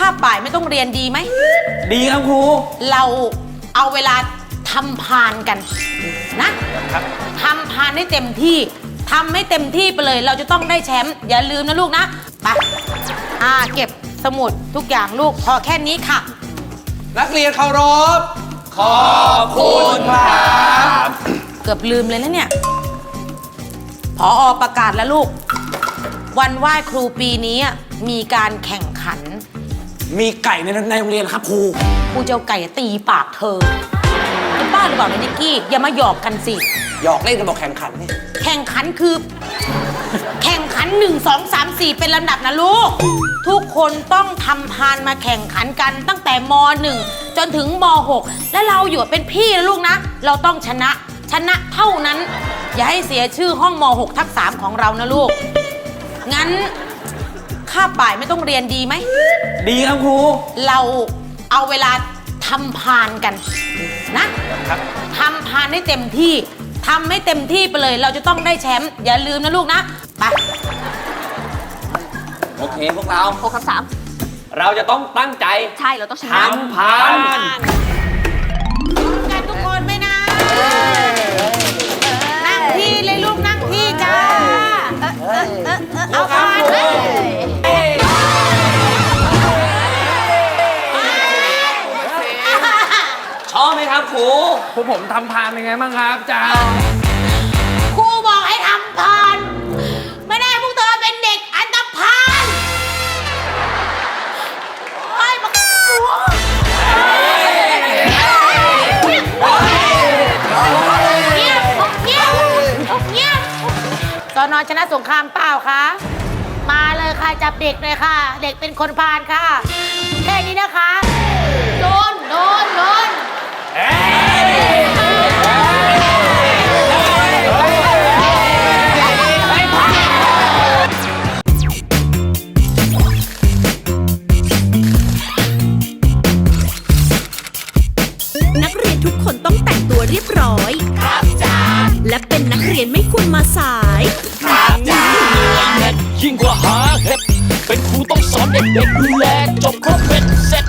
าบบ่ายไม่ต้องเรียนดีไหมดีครับครูเราเอาเวลาทำพานกันนะครับทำพานให้เต็มที่ทำให้เต็มที่ไปเลยเราจะต้องได้แชมป์อย่าลืมนะลูกนะไปเก็บสมุดทุกอย่างลูกพอแค่นี้ค่ะนักเรียนเคารพขอบคุณครับเกือบลืมเลยนะเนี่ยผอ.ประกาศแล้วลูกวันไหว้ครูปีนี้มีการแข่งขันมีไก่ในโรงเรียนครับครูเจ้าไก่ตีปากเธอเป็นบ้าหรือเปล่าเนี่ยนิกกี้อย่ามาหยอกกันสิหยอกเล่นกันบอกแข่งขันนี่แข่งขันคือแข่งขัน1 2 3 4เป็นลำดับนะลูกทุกคนต้องทำพานมาแข่งขันกันตั้งแต่ม.1 จนถึงม.6 และเราอยู่เป็นพี่นะลูกนะเราต้องชนะเท่านั้นอย่าให้เสียชื่อห้องม.6 ทับ 3ของเรานะลูกงั้นคาบบ่ายไม่ต้องเรียนดีไหมดีครับครูเราเอาเวลาทำพานกันนะครับทำพานให้เต็มที่ทำให้เต็มที่ไปเลยเราจะต้องได้แชมป์อย่าลืมนะลูกนะไปโอเคพวกเรา 6 คำ 3 เราจะต้องตั้งใจใช่เราต้องชนะทำพานกันทุกคนไหมนะนั่งที่เลยลูกนั่งที่จ้าเอาพานชอบไหมครับครูพวกผมทำพานยังไงบ้างครับจ้าครูบอกให้ทำพานไม่ได้พวกเธอเป็นเด็กอันธพาลโอ้ยบักเงียบสน.ชนะสงครามเปล่าคะมาเลยค่ะจับเด็กเลยค่ะเด็กเป็นคนพาลค่ะแค่นี้นะคะโดนนักเรียนทุกคนต้องแต่งตัวเรียบร้อยครับจ้าและเป็นนักเรียนไม่ควรมาสายครับจ้ายิ่งกว่าหาเห็ดเป็นครูต้องสอนเด็กๆดูแลจบครบเป็นเสร็จ